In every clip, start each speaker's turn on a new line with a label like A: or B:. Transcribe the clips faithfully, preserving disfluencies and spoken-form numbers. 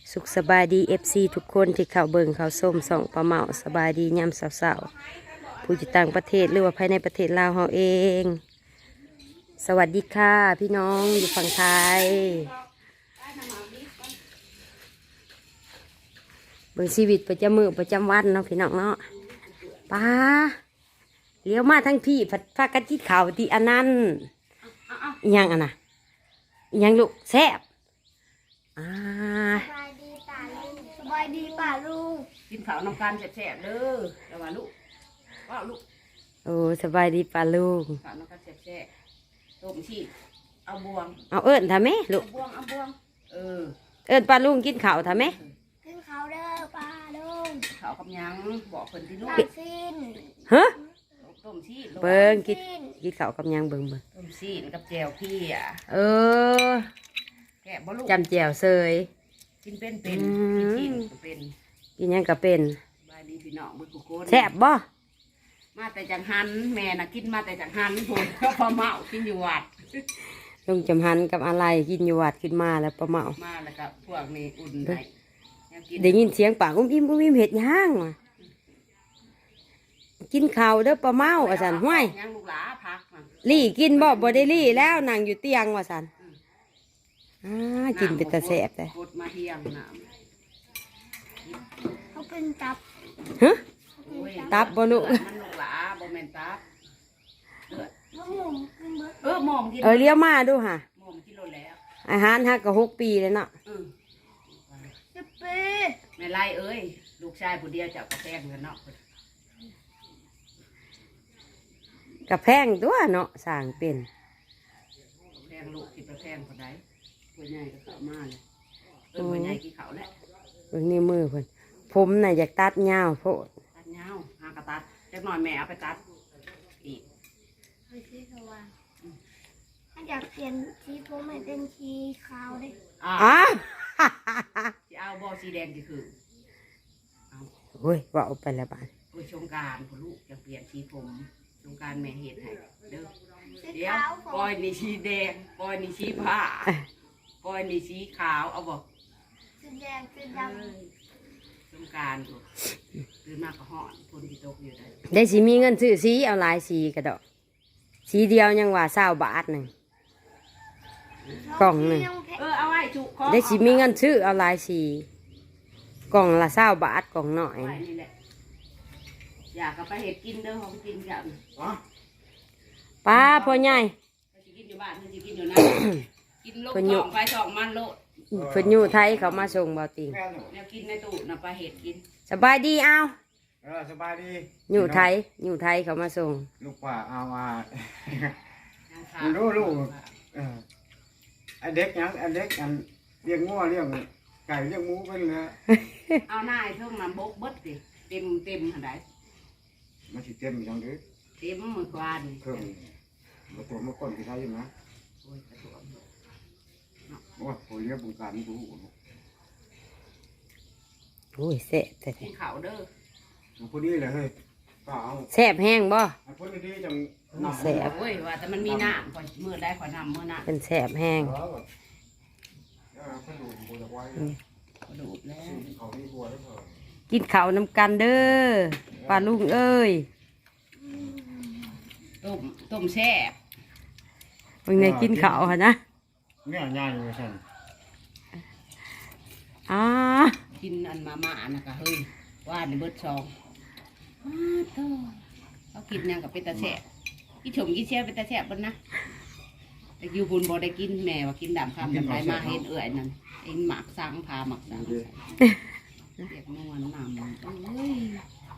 A: สุขสบายดีเอฟซีทุกคนที่เข้าเบิ่งเข้าส้มส่องปลาเมาสบายดียามเสาๆผู้อยู่ต่างประเทศหรือว่าภายในประเทศลาวเฮาเอง สวัสดีค่ะพี่น้องอยู่ฝั่งไทยเบิ่งชีวิตประจำมือประจำวันเนาะพี่น้องเนาะป้าเลี้ยวมาทั้งพี่ผัดพากันกินข้าวที่อันนั้นอิหยังอันน่ะอิหยังลูกแซ่บอ่า
B: สบายดีป่าลุงสบายดีป่าลุง
C: กินข้าวน้ำกันแซ่บๆเด้อแล้วว่าลูกว่าลูก
A: โอ้สบายดีป้าลุง
C: ข้าวน้ำกันแซ่บๆต้มชีเอาบวง
A: เอาเอิ้นทำไหมลู
C: เอา
A: ก
C: บวงเอาบวงเออ
A: เอิ้นป้าลุงกินข้าวทำไหม
B: ขึ้นเขาเด้อป่าลุง
C: ข้าวกับหยังบอกเพิ่นที่ลูก
B: ตาสิ้น
A: ฮะ
C: ต้มชีลูก
A: เบิ่งกินกินข้าวกับหยังเบิ่งเบิ่ง
C: ต้มชีกับแจ่วพี่อ่ะ
A: เออ
C: แกะบ่ลูก
A: จำแจ่วเซย
C: กินเป็นเป็น
A: อืม
C: กินชีก็เป็น
A: กินหยังก็เป็น
C: บายดีพี่น้องเบิ่งทุกคน
A: แซ่บบ่
C: มาแต่จังหันแม่น่ะกินมาแต่จังหันพุ่นก็พอเมากินอยู่วัด
A: ลุงจำหันกับอะไรกินอยู่วัดขึ้นมาแล้วประเมา
C: มาแล้วก็พวกนี้อุ่นให้ยังกิน
A: ได้ยินเสียงปากอุ้มอิ่มอุ้มอิ่มเห็ดย่างว่ะกินข้าวเด้อประเมาว่าสันห้วย
C: ยังลูกหลาพักมา
A: ลี่กินบ่บ่ได้ลี่แล้วนั่งอยู่เตียงว่าสันอ่ากินเป็นตาแซ่บเลย
C: กดมาเที่ยงน้
B: เขาเป็นตับ
A: ฮะ
C: ำโอ้ย
A: ตับบ่ลูก
C: มันลูกหลาบ่แม่นตับเลือด
B: มะม่วงกินเบิด
C: เออหมอมกิน
A: เออเลี้ยวมาดูค่ะ
C: หมอมกินโลแล้ว
A: อาหารฮักก็หกปีเลยเนาะ
C: เออ
B: สิบปี
C: แม่ไล่เอ้ยลูกชายผู้เดียวจะเอากระแพงกันเนาะ
A: กระแพงตัวเนาะสร้างเป็น
C: กระแพงลูกกินกระแพงคนใดผู้ใหญ่ก็เข้ามาเลยเออผู้ใหญ่กินเขาแหละ
A: เบิ่งนี่มือเพิ่นผมน่ะอยากตัดยาวโพด
C: ตัดเงาหากระตัดจักหน่อยแม่เอาไปตัดอีก
B: ไปซื้อสว่างถ้าอยากเปลี่ยนสีผมให้เป็นสีขาวได้
C: อ่า
A: อ้า
C: จะเอาบอสีแดงกี่คือเอา
A: โอ้ยว่าเอาไปแล้วบาด
C: โอ้ยชงกรารผู้ลูกจะเปลี่ยนสีผมชงกรารแม่เห็ดให้เด้อ
B: สี
C: เดี๋ยว
B: ขาวผ
C: ปล่อย
B: ม
C: นี่สีแดงปล่อยนี่สีผ้าปล่อยนี่สีขาวเอาบอก
B: สีแดงสีด
C: สงกรารตื่นมากก็ห่อนฝนที่ตกอยู่ได้
A: ได้สิมีเงินซื้อสีเอาหลายสีกระดอกสีเดียวยังว่าเศร้าบาทหนึ่ง
B: ำ
A: กล่องหนึ่ง
C: เออเอาไว้จุกคอ
A: ได้สิมีเงินซื้อเอาหลายสีกล่องละเศร้าบาทกล่องหน่อย
C: ไว้นี่แหละอยากก็ไปเห็ดกินเด้อของกินกัน
A: ป้าพ่อใหญ่
C: ถ้าสิกินอยู่บ้านถ้าสิกินอยู่นั่น กินโลก
A: คนอยู่
C: สองไปสองมันโลด
A: เพิ่นอยู่ไทยเขามาส่งเบาติง
C: แล้วกินในตู้น่ะไปเห็ดกิน
A: สบายดีเอา
D: เออสบายดี
A: อยู่ไทยอยู่ไทยเขามาส่ง
D: ลูกป่าเอามา
C: ยังขา
D: ดูลูก เออไอเด็กยังไอเด็กอันเลี้ยงงัวเลี้ยงไก่เลี้ยงหมูเป็นเลย
C: เอาหน้าไอ้เพิ่งน้ำบกเบิดสิเต็มเต็มหันได
D: มันสิเต็มอย่างนี้
C: เต็มมือควานนี่
D: เพิ่มมาตัวมาก้นที่ไทยอยู่นะ
C: โอ้ยกระตัว
D: ว่าผมเลี้ยงบุญการนี่ดู
A: โอ้ยแซ่บแต่
C: กินข้าวเด้อ
D: พอดีเลยเฮ้ยก็เอา
A: แซ่บแห้งบ่
D: พอดีจังนำ
A: แซ่บ
C: โอ้ยว่าแต่มันมีน้ำคอยมือได้คอยนำมือน้ำ
A: เป็นแซ่บแห้ง
D: เออเพิ่นดูบุญไว้
C: กระดูดแล้ว
D: เขาที่บัวได้เถอะ
A: กินข้าวนำกันเด้อป้าลุงเอ้ย
C: ต้มต้มแซ่บ
A: มึงเนี่ยกินข้าวหั่นนะ
D: เนี่ยง่ายเลยฉัน
A: อ่า
C: กินอันมาม่านะกะเฮ้ยว่าในเบิดซองอ้าโธ่เขากินหยังกับเป็นตาแซ่บกินชมกินแซ่บเป็นตาแซ่บเบิ่นนะแต่อยู่บุญบ่ได้กินแม่ว่ากินดำคำดำไรมาเห็นเอื่อยนั่นเองหมักสังพาหมักสังเรียกนวลนำเอ้ย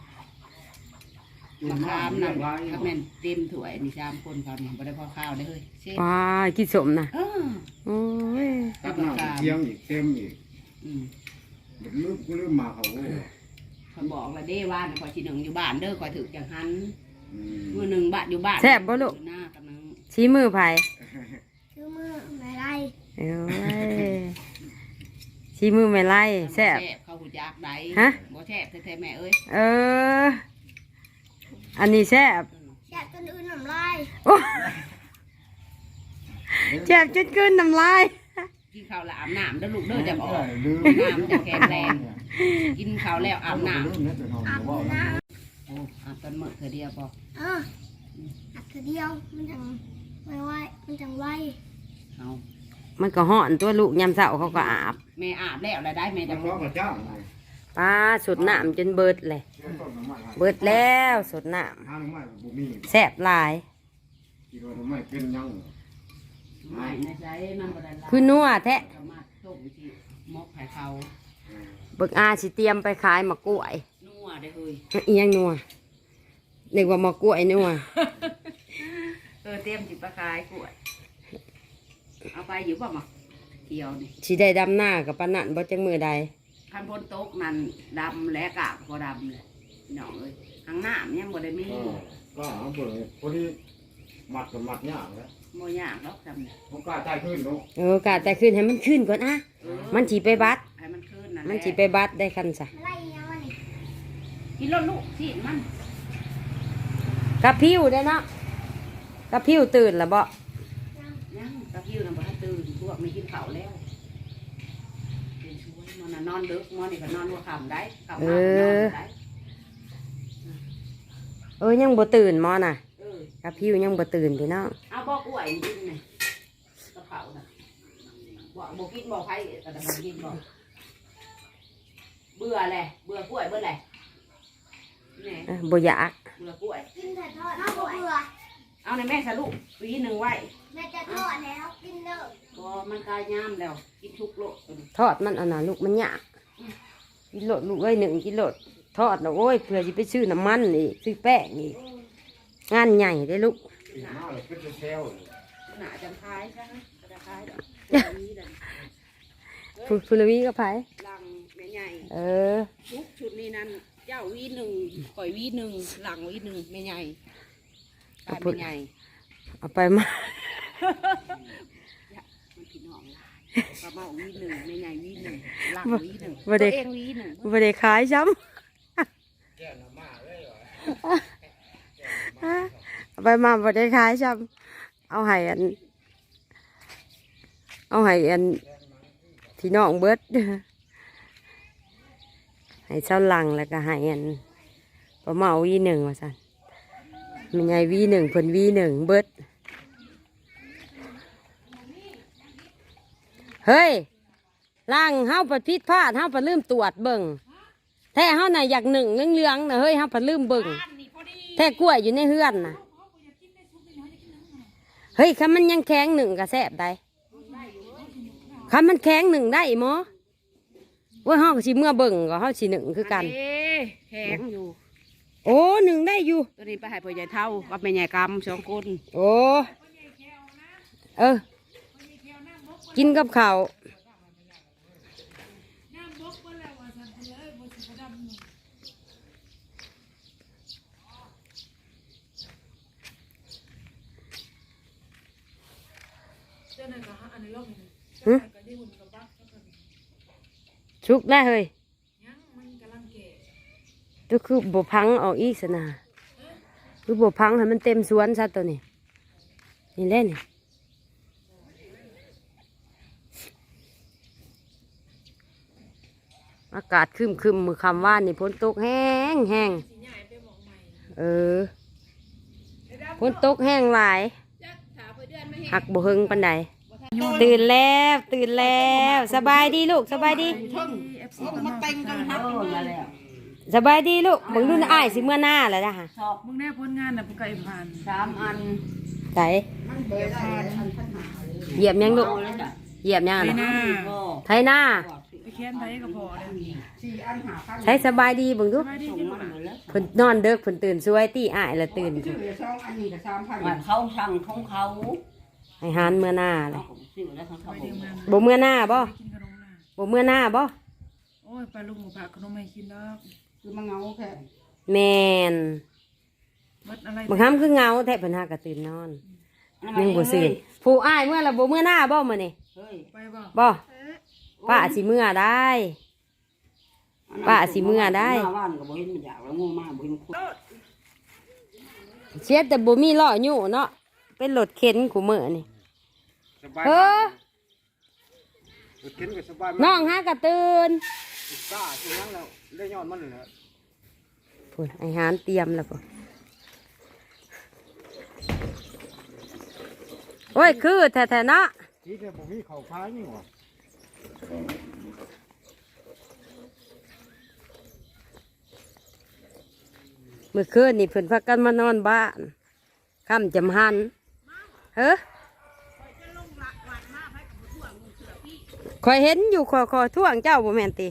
C: มะขามนำถ้าแม่นเต็มถ้วยนี่สามคนเขาเนี่ยบ่ได้พอข้าวได้เฮ้ยเซ่
A: ว้ากินสมนะ
C: เออ
A: โอ้ย
D: ตักน้ำเคียงอีกเต็มอีก
C: อืม
D: ลืมลืมมาเขา
C: เขาบอกว่าเด้ว่าคอยทีหนึ่งอยู่บ้านเด้อคอยถือจังหัน
D: อืม
C: มือหนึ่งบ้านอยู่บ้าน
A: แซ่บบ่ลูก
C: หน้ากำลัง
A: ชี้มือไผ
B: คือมือไม่ไร
A: เอ้ยชี้มือไม่ไล่แซ่บ
C: เขาหูจักใด
A: ฮะ
C: บ่แซ่บแท้ๆแม่เอ้ย
A: เออ อันนี้แซ่บ
B: แซ่บจนอื่นน้ำลาย
A: โอ้แซ่บจนเกินน้ำลาย
C: กกินข้าวแล้วอาบน้ำเด้อลูกเด้อจะบอก
D: ลืม
C: น้ำจะแข็งแรงกินข้าวแล้วอาบน้
D: ลืมเนี่ยเป็นห้อง
B: อาบ
D: ว่า
B: น้
C: ำโอ้อาบตอนมื้อเธอเดียวบ่
B: ำเอออาบทีเดียวมันจังไม่ไหวมันจังไว
C: เอา
A: มันก็ห่อนตัวลูกยามเช้าเขาก็อาบ
C: แม่อาบแล้วแล้วได้แม่
D: จะ
C: จะ
D: เพราะพระเจ้า
A: ป้าสุดน้ำจนเบิดเลย
D: เบิ
A: เบิดแล้วสุดน้
D: ห้าหรือไม่บุมี
A: ำแซ่บหลาย
D: กี่วันไม่เป็นยัง
C: ไม่ในใจมันบ่ได้ละ
A: คือนัวแท้
C: ก็มาต้มที่มกให้เขา
A: เบิกอาสิเตรียมไปขายมะกล้วย
C: นัวได้เฮ้ย
A: อีหยังนัวนึกว่ามะกล้วยนัว
C: เออเตรียมจิบปลาคายกล้วยเอาไปอยู่บ่หมักเกี่ยวนี่
A: สิได้ดำหน้ากับปานนั่นบ่จังมือใด
C: คันพ้นโต๊ะนั่นดำและกากพอดำเลยพี่น้องเอ้ยทางหน้ามันยังบ่ได้มี
D: ก็เอาเปิดพอดีมัดกับมัดยากแล้ว
C: โมยากหรอกจำเนี่ย
D: ผมกล้าใจขึ้นเนาะ
A: เออกะแต่ขึ้นให้มันขึ้นก่อนอะ
C: เออ
A: มันสิไปบัด
C: ให้มันขึ้นนั่นแหละ
A: มันสิไปบัดได้คันซะ
B: ไล่ยังวะนี่
C: กินรถลูกสิมัน
A: กะพิ้วได้เนาะกะพิ้วตื่นแล้วบ่
C: ยังตะกิ้วน่ะบ่ทันตื่นพวกไม่กินข้าวแล้วเป็นช่วยมันน่ะนอนดึกมันนี่ก็นอนหัวค่ำได้ค่ำมากก็นอนได้
A: เออยังบ่ตื่นหมอน่ะ
C: เออก
A: ะพิ้วยังบ่ตื่นพี่น้อง
C: เอาบอกกล้วยกินนี่กระเพราน่ะบอกบ่กินบ่ไผก็ได้บ่กินบ่เบื่อแหละเบื่อกล้วยเบื่อแหละนี่
A: เออบ่อยาก
C: เบื่อกล้วย
B: กินแต่ทอดเอาเบื่อ
C: เอาในแม่สรุปปีหนึ่งไว้
B: แม่จะทอดแล้วกินเลิก
C: ก็มันกายยามแล้ว กินทุกโลก
A: ทอดมันอันน่ะลูกมันยากกินโลดลูกเอ้ยหนึ่งกิโลดทอดน่ะโอ้ยเพื่อสิไปซื้อน้ำมันอีกซื้อแป้งอีกงานใหญ่เด้ลูก
D: มาเลยเป็นเซลล์
C: หนาจังคายใช่ไหมกระคายดอกนี้เลย
A: ฟูฟูลวีก็ไผ
C: ลังแม่ใหญ่
A: เออ
C: ทุกชุดนี้นั่นเจ้าวีหนึ่งข่อยวีหนึ่งหลังวีหนึ่งแม่ใหญ่กายแม่ใหญ่
A: เอาไปมา
C: มันพี่น้องลายกระเมาวีหนึ่งแม่ใหญ่วีหนึ่งหลังวีหนึ่ง
A: บ่ได้
C: ตัวเองวีหนึ่ง
A: บ่ได้ขายซ้ำ เอาไปมาบ่ได้ขายซ้ำเอาให้อัน เอาให้อันพี่น้องเบิดให้เจ้าหลังแล้วก็ให้อันประมาวีหนึ่งว่าซั่นมีไงวีหนึ่งเพิ่นวีหนึ่งเบิดเฮ้ยล่างเฮาปัดพิษพลาดเฮาปัดลืมตรวจเบิ่งแท้เฮาน่ะอยากหนึ่งเรื่องๆน่ะเฮ้ยเฮาปัดลืมเบิ่งแท้กล้วยอยู่ในเฮือนน่ะเฮ้ยคันมันยังแข็งหนึ่งก็แซ่บได้คันมันแข็งหนึ่งได้หมอว่าเฮาก็สิเมื่อเบิ่งก็เฮาสิหนึ่งคือกัน
C: เอ๊ะแข็งอยู่
A: โอ้หนึ่งได้อยู่
C: ตัวนี้ไปให้พ่อใหญ่เท่ากับแม่ใหญ่กำสองคน
A: โอ้เออกินกับข้าวหึชุกได้เฮ้ยก็คือบพังออกอีกสนะคือบพังให้มันเต็มสวนซะตัวนี้นี่แหละนี่อากาศครึมครึมมือคำว่านี่ฝนตกแห้งแห้งเออฝนตกแห้งหลายหักบ่หึงปันใดตื่นแล้วตื่นแล้วสบายดีลูกสบายดี
C: มาเต็งกันครับแล้ว
A: สบายดีลูกมึงรุ่นอ้ายสิเมื่อหน้าแล้วนะฮะ
C: สอบ
E: มึงแน่พ้นงานน่ะผู้ไก่ผ่าน
C: สามอัน
A: ใส่
C: เดี๋ยวผ่านอันพันหา
A: เหยียบยังลูก
C: เอาเลยจ้ะ
A: เหยียบยัง
E: ไป
A: อะ
E: หน้า
A: ไทยหน้า
E: ไปแค้นไทยก็พอเลย
C: สี่อันหาพัน
A: ใช้สบายดีเบึงดู
E: สบายดี
C: ส่ง
E: ที่
C: มา
E: บ้าน
C: หมดแล้ว
A: เพิ่นนอนเด้อเพิ่นตื่นสวยตีอ้ายละตื่น
C: ซื้อเดี๋ยวสองอันนี้กับสามพันเขาสั่งของเขา
A: ให้หานเมื่อหน้าเล
C: เรา
A: ย
C: ผมซื้อแล้วของเขา
E: ไปเดียวงาน
A: บ่เมื่อหน้าบ่
E: กินขนมน่ะ
A: บ่เมื่อหน้าบ่
E: โอ้ยปลาลุงหมูผักขนมให้กินแล้ว
C: คือมาเงาแค่
A: แม่น
E: เบิดอะไร
A: บางครั้งคือเงาแท้เพิ่นหากะตื่นนอนยังบ่ซื่นผู้อ้ายเมื่อละบ่เมื่อหน้าบ่มื้อนี้
C: เฮ้ย
E: ไปบ่
A: บ่ป้าสิเมื่อได้ ป้าสิเมื่อได้
C: หน้าบ้านก็บ่เห็นมันอยากแล้วงูมากบ่เห็นคน
A: เสียแต่บ่มีล้ออยู่เนาะเป็นรถเข็นกูมื้อนี่
D: สบาย
A: เออ
D: กินก็สบาย
A: น้องหากระตื่น
D: กล้าสิยังแล้วได้ยอดมันเลยนะ
A: พุ่นอาหารเตรียมแล้วป่ะโอ้ยคือแท้ๆเนาะ
D: ที่เนี่ยผมมีเข่าพายนี่หว่า
A: เมื่อคืนนี่เพิ่นพักกันมานอนบ้านค่ำจำหันเฮ้อคอยเห็นอยู่คอคอท่วงเจ้าบ่แม่นติ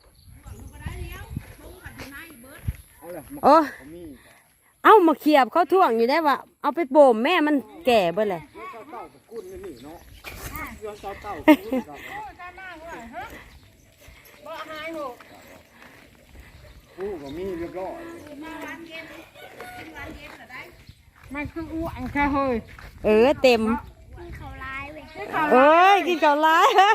D: เอาเลย
A: โอ้
D: ผมมี
A: เอามาเขียบเขาท่วงอยู่ได้ว่าเอาไปโบ่มแม่มันแก่เบ่เลย
D: เจ้าเต้ากับกุ้นนี่เนาะเจ้าเต้ากับกุ้นกับกูก็มีเรียบร้อย
E: มันคืออ้วนแค่เฮ้ย
A: เออเต็ม
B: มีเขาร้ายเว้ย
A: เอ้ยกินข้าวหลาย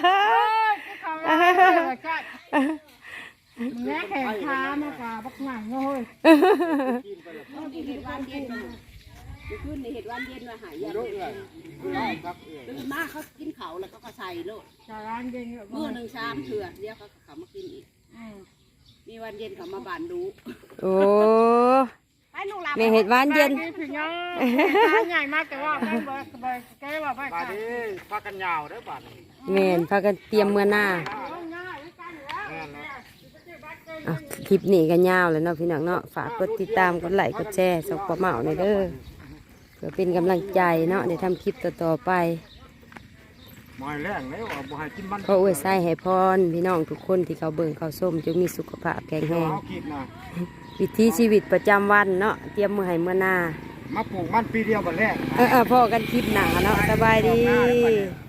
E: มึงแง่แข่งค้ามากกว่าบักหนังเฮ้ย
D: กินไปแล้ว
C: ที่เห็ดวันเย็นมาเมื่อคืนในเห็ดวันเย็นมาหายยา
D: เยอะเลยคือได้ครับเออ
C: ตื่นมาเขากินเขาแล้วก็ก็ใส่โลด
E: จาร้านเย็นก็
C: มื้อหนึ่งชามเถื่อเดี๋ยวเขาก็เขามากินอีกมีวันเย็นเขามาบานดู
A: โอ้
C: ไปลูกหลาน
A: แม่เห็ดหวานเย็น
E: พี่น้องใหญ่มากแต่ว่าไม่เบิร์ดเบิร์ดแกว่าไม่
D: บา
E: ขา
D: ด
E: ด
D: นี้พากันยาวได้อบาดนี้
A: แม่นพากันเตรียมเมื่อหน้า
D: แม่นนะ
A: อ่ะคลิปนี้ก็ยาวแล้วเนาะพี่น้องเนาะฝากกดติดตามกดไลค์กดแชร์ส่งปลาเหมาในอยเด้อเพื่อเป็นกำลังใจเนาะในทำคลิปต่อๆไป
D: หมอยแรงเลยว่าบ่ให้กินมัน
A: ขออวยไส้ให้พรพี่น้องทุกคนที่เขาเบิ่งเขาส้มจงมีสุขภาพแข็งแรง
D: เอากินนะ
A: วิถีชีวิตประจำวันเนาะเตรียมมือให้เมื่อหน้า
D: มาปลูกมันปีเดียวบัดแรก
A: เออเออพ่อกันคลิปหนาเนาะสบายดี
D: ออกหน้าได้บัดนี้